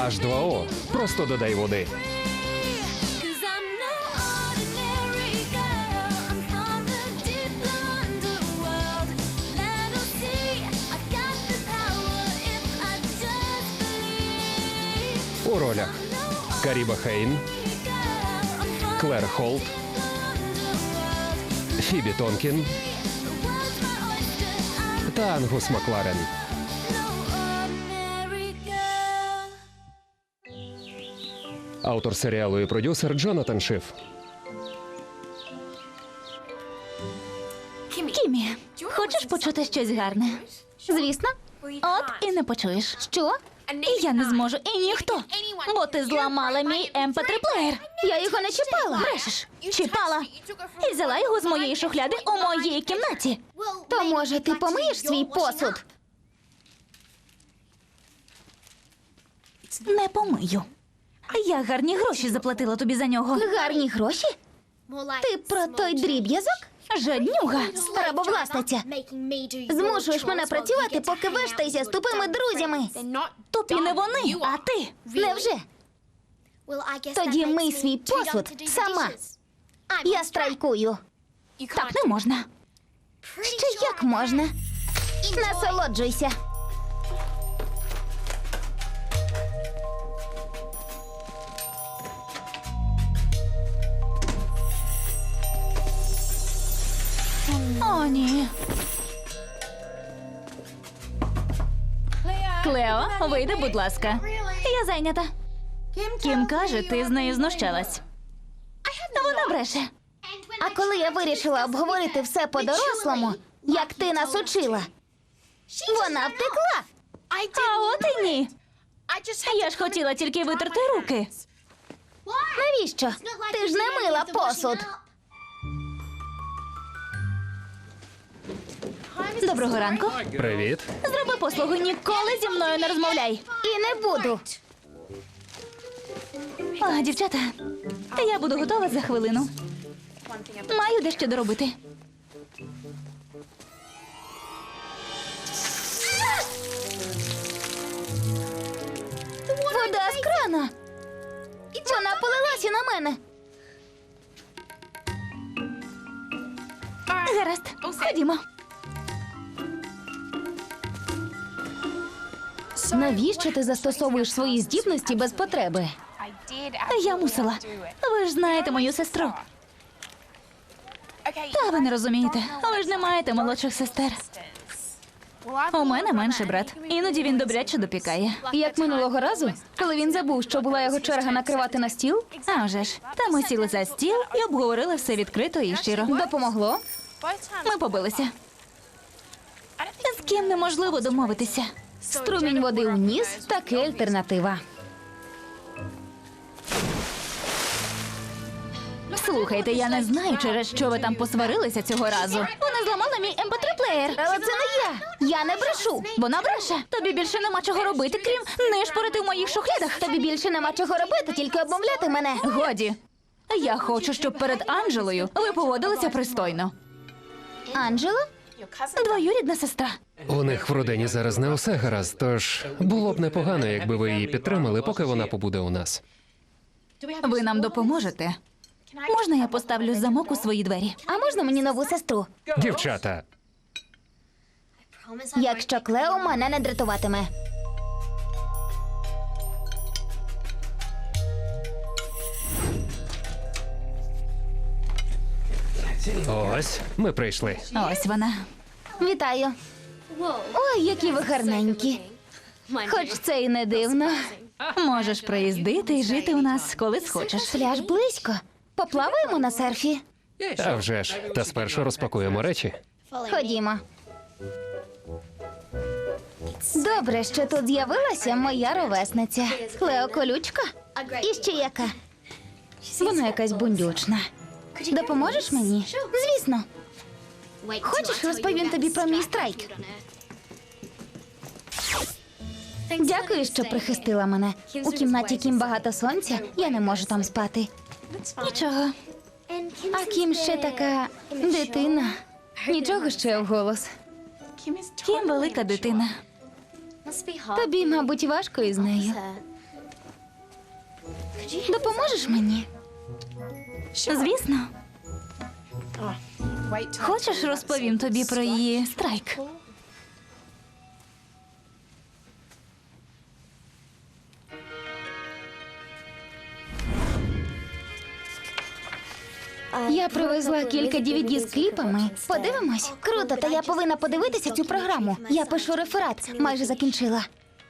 H2O. Просто додай води. Cause I'm no ordinary girl. I'm from the deep underworld. Let 'em see I got the power if I just believe. У ролях Каріба Хейн, Girl, I'm from Клер Холт, the underworld. Фібі Тонкін The world's my oyster. I'm та Ангус Макларен. no ordinary girl. Автор серіалу і продюсер Джонатан Шиф. Кімі, хочеш почути щось гарне? Звісно. От і не почуєш. Що? І я не зможу, і ніхто. Бо ти зламала мій MP3-плеєр. Я його не чіпала. Брешеш. Чіпала. І взяла його з моєї шухляди у моїй кімнаті. То, може, ти помиєш свій посуд? Не помию. Я гарні гроші заплатила тобі за нього. Гарні гроші? Ти про той дріб'язок? Жаднюга, рабовласниця. Змушуєш мене працювати, поки вештайся з тупими друзями. Тупі не вони, а ти. Невже? Тоді мий свій посуд сама. Я страйкую. Так не можна. Ще як можна? Насолоджуйся. О, ні. Клео, вийди, будь ласка. Я зайнята. Кім каже, ти з нею знущалась. Вона бреше. А коли я вирішила обговорити все по-дорослому, як ти нас учила, вона втекла. А от і ні. Я ж хотіла тільки витерти руки. Навіщо? Ти ж не мила посуд. Доброго ранку. Привіт. Зроби послугу, ніколи зі мною не розмовляй. І не буду. А, дівчата, я буду готова за хвилину. Маю дещо доробити. Вода з крана. Вона полилася на мене. Гаразд, ходімо. Навіщо ти застосовуєш свої здібності без потреби? Я мусила. Ви ж знаєте мою сестру. Та ви не розумієте. Ви ж не маєте молодших сестер. У мене менший брат. Іноді він добряче допікає. Як минулого разу, коли він забув, що була його черга накривати на стіл? А вже ж. Та ми сіли за стіл і обговорили все відкрито і щиро. Допомогло? Ми побилися. З ким неможливо домовитися. Струмінь води у ніс – таки альтернатива. Слухайте, я не знаю, через що ви там посварилися цього разу. Вона зламала мій MP3-плеєр. Але це не я. Я не брешу. Вона бреше. Тобі більше нема чого робити, крім нишпорити в моїх шухлядах. Тобі більше нема чого робити, тільки обмовляти мене. Годі. Я хочу, щоб перед Анджелою ви поводилися пристойно. Анджела? Двоюрідна сестра. У них в родині зараз не усе гаразд, тож було б непогано, якби ви її підтримали, поки вона побуде у нас. Ви нам допоможете? Можна я поставлю замок у свої двері? А можна мені нову сестру? Дівчата, Якщо Клео мене не дратуватиме. ось ми прийшли. Ось вона. Вітаю. Ой, які ви гарненькі. Хоч це і не дивно. Можеш приїздити і жити у нас, коли схочеш. Пляж близько. Поплаваємо на серфі. А вже ж, та спершу розпакуємо речі. Ходімо. Добре, що тут з'явилася моя ровесниця. Клео колючка? І ще яка? Вона якась бундючна. Допоможеш мені? Звісно. Хочеш, розповім тобі про мій страйк? Дякую, що прихистила мене. У кімнаті Кім багато сонця, я не можу там спати. Нічого. А Кім ще така дитина. Нічого ще вголос. Кім велика дитина. Тобі, мабуть, важко із нею. Допоможеш мені? Звісно. Хочеш, розповім тобі про її страйк? Я привезла кілька DVD з кліпами. Подивимось? Круто, та я повинна подивитися цю програму. Я пишу реферат, майже закінчила.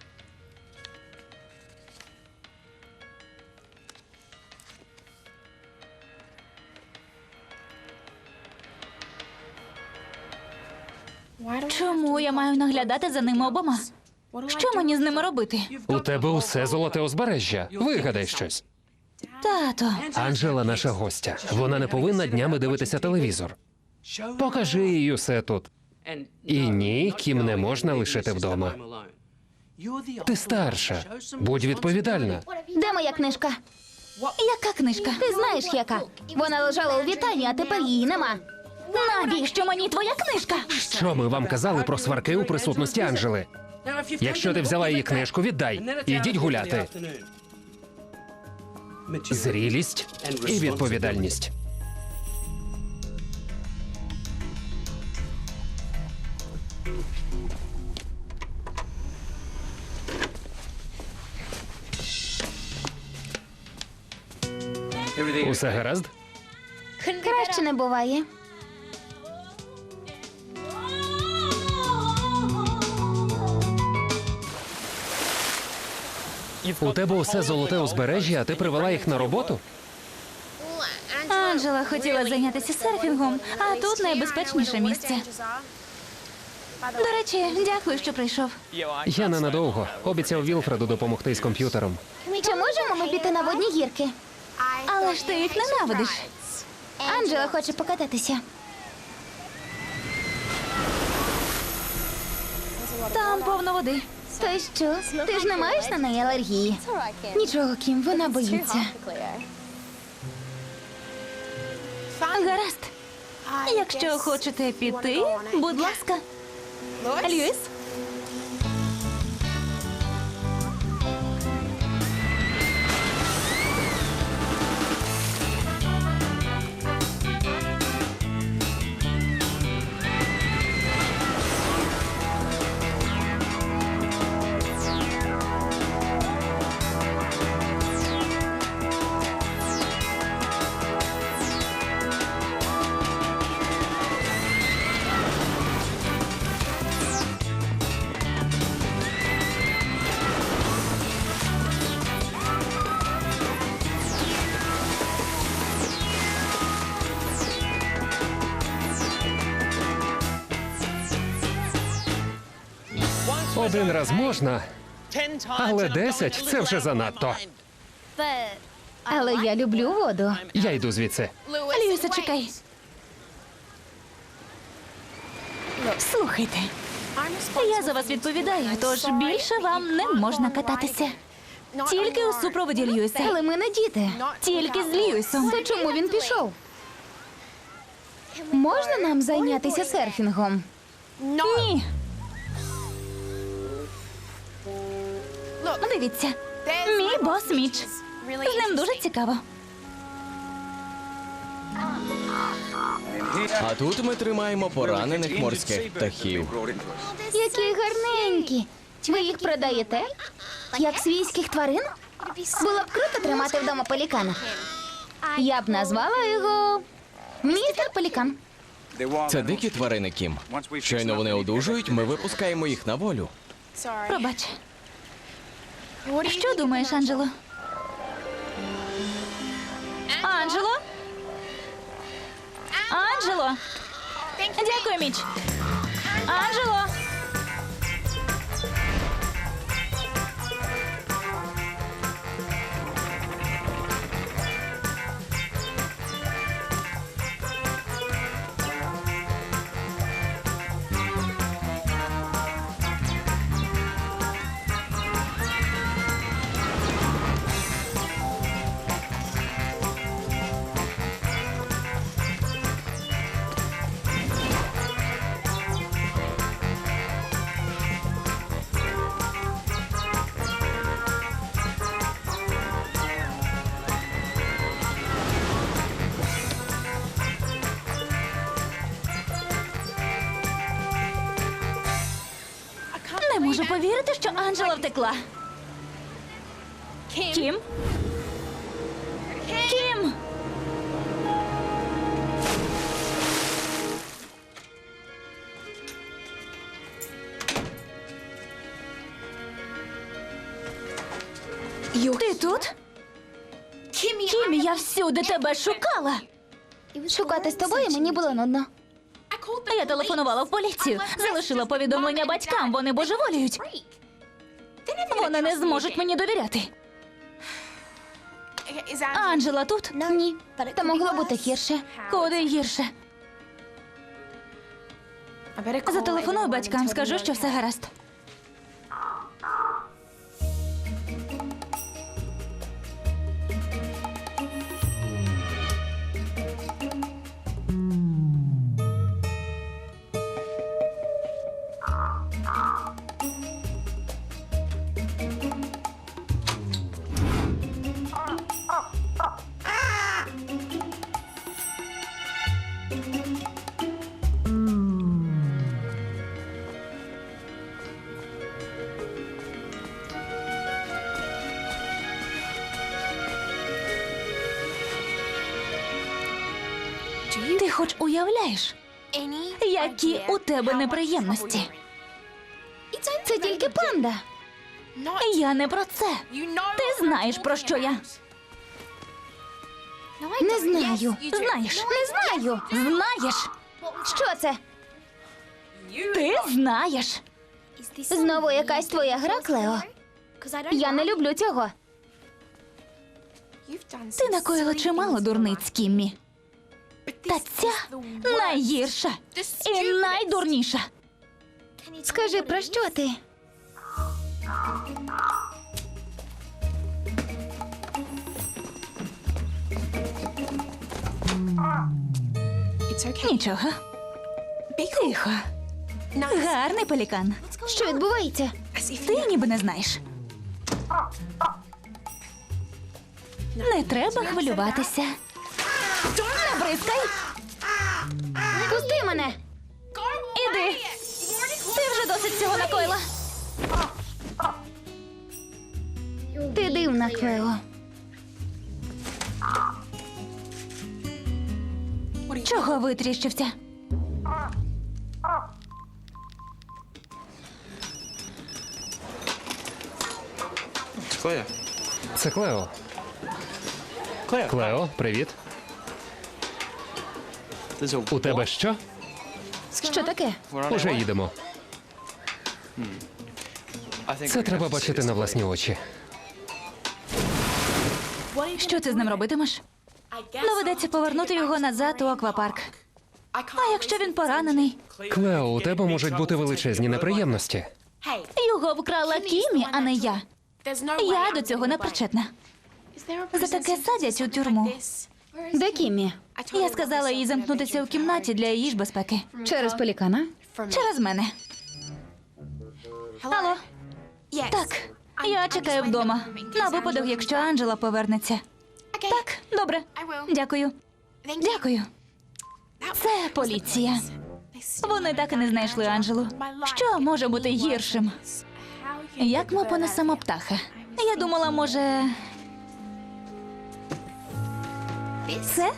Чому я маю наглядати за ними обома? Що мені з ними робити? У тебе усе золоте узбережжя. Вигадай щось. Тато, Анжела наша гостя. Вона не повинна днями дивитися телевізор. Покажи їй усе тут. І ні, ким не можна лишити вдома. Ти старша. Будь відповідальна. Де моя книжка? яка книжка? Ти знаєш, яка? Вона лежала у вітальні, а тепер її нема. Навіщо мені твоя книжка? Що ми вам казали про сварки у присутності Анжели? Якщо ти взяла її книжку, віддай. Ідіть гуляти. Зрілість і відповідальність. Усе гаразд? Краще не буває. У тебе усе золоте узбережжя, а ти привела їх на роботу? Анжела хотіла зайнятися серфінгом, а тут найбезпечніше місце. До речі, дякую, що прийшов. Я ненадовго. Обіцяв Вілфреду допомогти з комп'ютером. Чи можемо ми піти на водні гірки? Але ж ти їх ненавидиш. Анджела хоче покататися. Там повно води. То й що? Ти ж не маєш на неї алергії? Нічого, Кім, вона боїться. Гаразд. Якщо хочете піти, будь ласка. Льюіс? Один раз можна, але 10 – це вже занадто. Але я люблю воду. Я йду звідси. Льюісе, чекай. Слухайте, я за вас відповідаю, тож більше вам не можна кататися. Тільки у супроводі Льюіса. Але ми не діти. Тільки з Льюісом. То чому він пішов? Можна нам зайнятися серфінгом? Ні. Дивіться, мій бос Міч. З ним дуже цікаво. А тут ми тримаємо поранених морських птахів. Які гарненькі. Ви їх продаєте? Як свійських тварин? Було б круто тримати вдома пелікана. Я б назвала його містер Пелікан. Це дикі тварини, Кім. Щойно вони одужують, ми випускаємо їх на волю. Пробач. Що думаєш, Анджело? Анджело? Анджело? Дякую, Міч. Анджело? що Анджела втекла. Кім? Кім! Ти тут? Кімі, я всюди тебе шукала. Шукати з тобою мені було нудно. Я телефонувала в поліцію, залишила повідомлення батькам, вони божеволіють. Вони не зможуть мені довіряти. Анджела тут? Ні, та могло бути гірше. Куди гірше? Зателефоную батькам, скажу, що все гаразд. Ти хоч уявляєш, які у тебе неприємності? Це тільки панда. Я не про це. Ти знаєш, про що я. Не знаю. Знаєш. Не знаю. Знаєш. Що це? Ти знаєш. Знову якась твоя гра, Клео? Я не люблю цього. Ти накоїла чимало дурниць, Кіммі. Та ця найгірша і найдурніша. Скажи, про що ти? Нічого. Тихо. Гарний пелікан. Що відбувається? Ти ніби не знаєш. Не треба хвилюватися. Не бризкай. Пусти мене! Іди. Ти вже досить цього накоїла. Ти дивна, Клео. Чого витріщився? Клео. Це Клео. Клео, привіт. У тебе що? Що таке? Уже їдемо. Це треба бачити на власні очі. Що ти з ним робитимеш? Доведеться повернути його назад у аквапарк. А якщо він поранений? Клео, у тебе можуть бути величезні неприємності. Його вкрала Кімі, а не я. Я до цього не причетна. За таке садять у тюрму. Де Кіммі? Я сказала їй замкнутися у кімнаті для її ж безпеки. Через пелікана? Через мене. Алло? Так, я чекаю вдома. На випадок, якщо Анджела повернеться. Так, добре. Дякую. Дякую. Це поліція. Вони так і не знайшли Анджелу. Що може бути гіршим? Як ми понесемо птаха? Я думала, може. Це?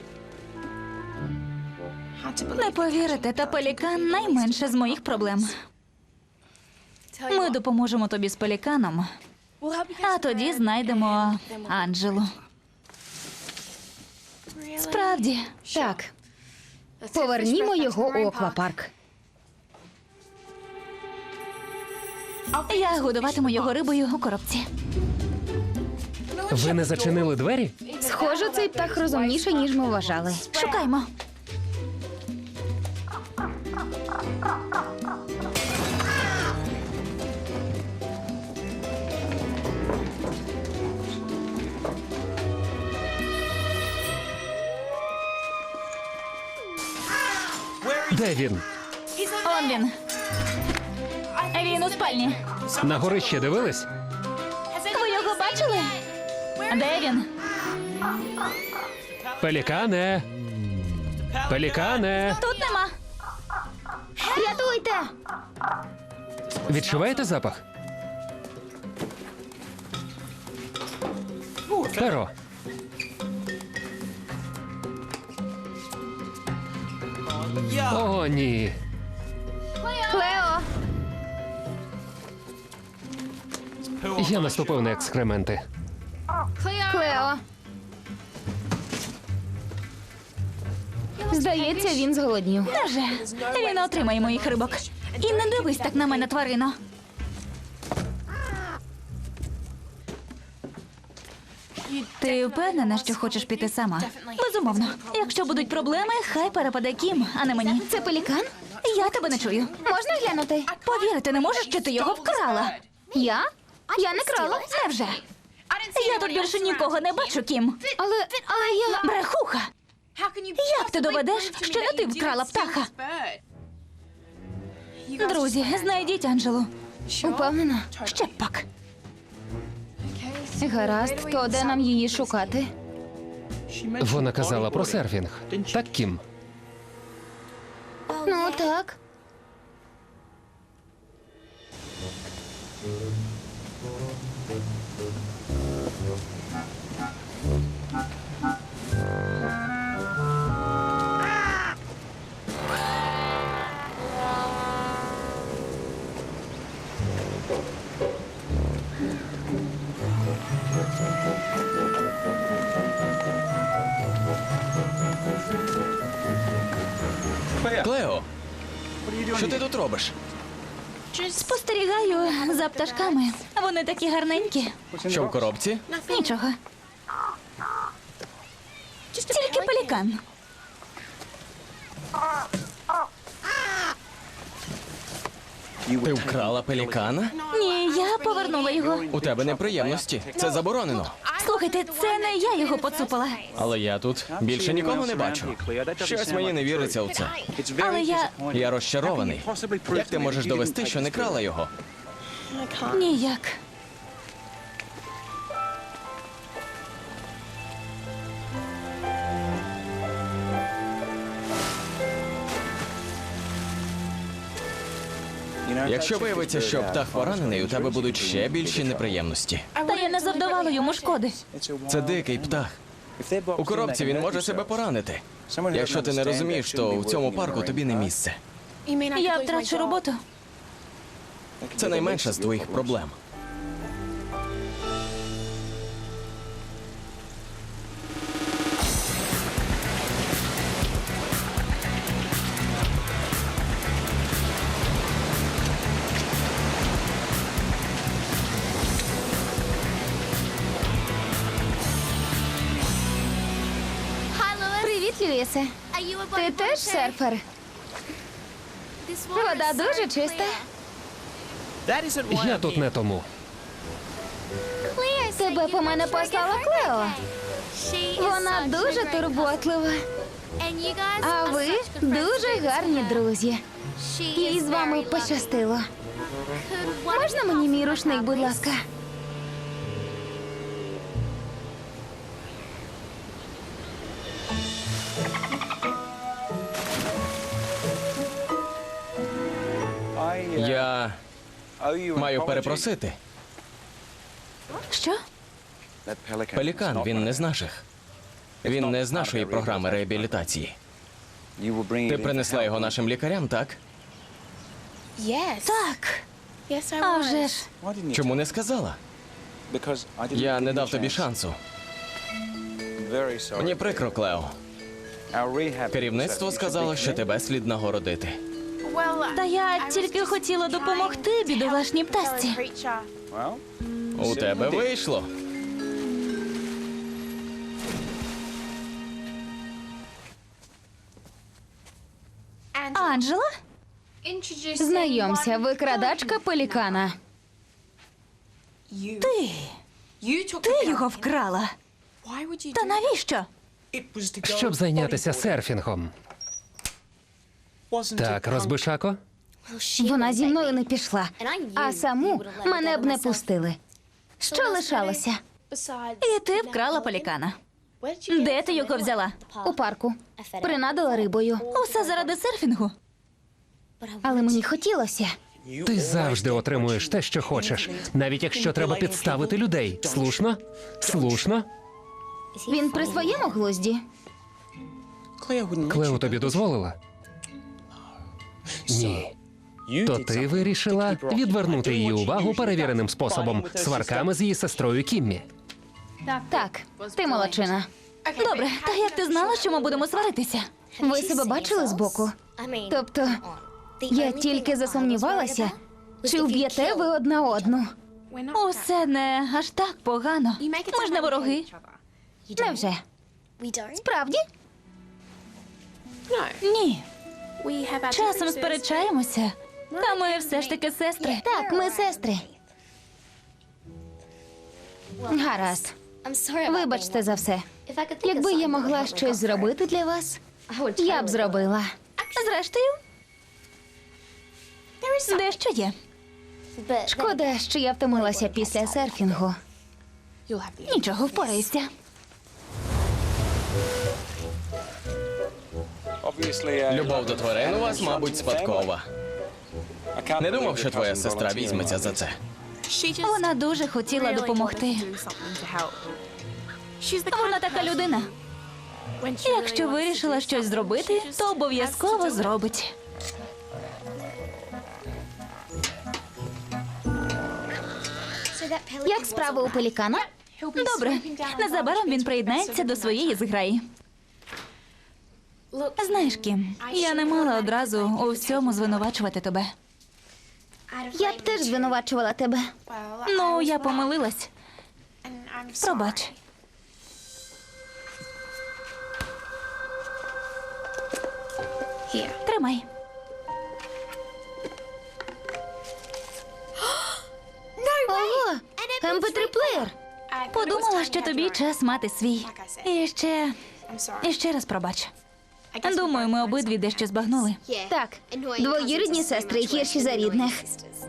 Не повірите, та пелікан найменше з моїх проблем. Ми допоможемо тобі з пеліканом, а тоді знайдемо Анджелу. Справді. Так. Повернімо його у аквапарк. Я годуватиму його рибою у коробці. Ви не зачинили двері? Схоже, цей птах розумніший, ніж ми вважали. Шукаймо. Де він? Он він. Він у спальні. На горище дивились? Ви його бачили? Де він? Пелікане! Пелікане! Тут нема. Рятуйте! Відчуваєте запах? Перо. О, ні. Клео, Я наступив на екскременти. Клео. Здається, він зголоднів. Невже? Він отримає моїх рибок. І не дивись так на мене, тварино. Ти впевнена, що хочеш піти сама? Безумовно. Якщо будуть проблеми, хай перепаде Кім, а не мені. Це пелікан? Я тебе не чую. Можна глянути? Повірити не можеш, що ти його вкрала. Я? Я не крала. Невже? Я тут більше нікого не бачу, Кім. Але я... Брехуха! Як ти доведеш, що не ти вкрала птаха? Друзі, знайдіть Анджелу. Упевнена. Ще б пак. Гаразд, то де нам її шукати? Вона казала про серфінг. Так, Кім? Ну, так. Клео, що ти тут робиш? Спостерігаю за пташками. Вони такі гарненькі. Що в коробці? Нічого. Тільки пелікан. Ти вкрала пелікана? Ні, я повернула його. У тебе неприємності. Це заборонено. Слухайте, це не я його поцупила. Але я тут більше нікого не бачу. Щось мені не віриться в це. Але Я розчарований. Як ти можеш довести, що не крала його? ніяк. Якщо виявиться, що птах поранений, у тебе будуть ще більші неприємності. Та я не завдавала йому шкоди. Це дикий птах. У коробці він може себе поранити. Якщо ти не розумієш, то у цьому парку тобі не місце. Я втрачу роботу. Це найменша з твоїх проблем. Привіт, Льюісе. Ти теж серфер? Вода дуже чиста. Я тут не тому. Тебе по мене послала Клео. Вона дуже турботлива. А ви дуже гарні друзі. Їй з вами пощастило. Можна мені мій рушник, будь ласка? Я маю перепросити. Що? Пелікан, він не з наших. Він не з нашої програми реабілітації. Ти принесла його нашим лікарям, так? Так. А вже ж. Чому не сказала? Я не дав тобі шансу. Мені прикро, Клео. Керівництво сказало, що тебе слід нагородити. Та я тільки хотіла допомогти бідолашній пташці. У тебе вийшло. Анджела? Знайомся, викрадачка пелікана. Ти його вкрала. Та навіщо? Щоб зайнятися серфінгом. Так, розбишако? Вона зі мною не пішла, а саму мене б не пустили. Що лишалося? І ти вкрала пелікана. Де ти його взяла? У парку. Принадила рибою. Усе заради серфінгу. Але мені хотілося. Ти завжди отримуєш те, що хочеш, навіть якщо треба підставити людей. Слушно? Слушно? Він при своєму глузді? Клео тобі дозволила? Ні. То ти вирішила відвернути її увагу перевіреним способом сварками з її сестрою Кіммі. Так, ти молодчина. Добре, та як ти знала, що ми будемо сваритися? Ви себе бачили збоку? Тобто, я тільки засумнівалася, чи вб'єте ви одна одну. Усе не аж так погано. Ми ж не вороги. Невже? Справді? Ні. Часом сперечаємося. Та ми все ж таки сестри. Так, ми сестри. Гаразд. Вибачте за все. Якби я могла щось зробити для вас, я б зробила. Зрештою, дещо є. Шкода, що я втомилася після серфінгу. Нічого, впорайся. Любов до тварин у вас, мабуть, спадкова. Не думав, що твоя сестра візьметься за це. Вона дуже хотіла допомогти. Вона така людина. Якщо вирішила щось зробити, то обов'язково зробить. Як справи у пелікана? Добре, незабаром він приєднається до своєї зграї. Знаєш, Кім, я не мала одразу у всьому звинувачувати тебе. Я б теж звинувачувала тебе. Ну, я помилилась. Пробач. Тримай. Ого, MP3-плеєр. Подумала, що тобі час мати свій. І ще раз пробач. Думаю, ми обидві дещо збагнули. Так, двоюрідні сестри гірші за рідних.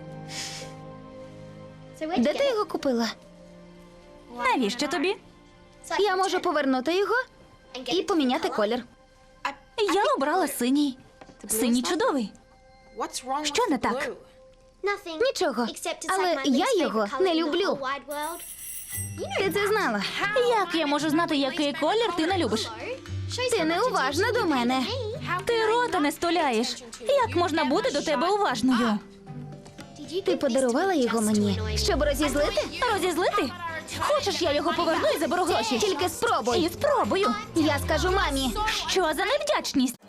Де ти його купила? Навіщо тобі? Я можу повернути його і поміняти колір. Я обрала синій. Синій чудовий. Що не так? Нічого, але я його не люблю. Ти це знала? Як я можу знати, який колір ти не любиш? Ти неуважна до мене. Ти рота не стуляєш. Як можна бути до тебе уважною? Ти подарувала його мені, щоб розізлити? Розізлити? Хочеш, я його поверну і заберу гроші? Тільки спробуй. І спробую. Я скажу мамі. Що за невдячність?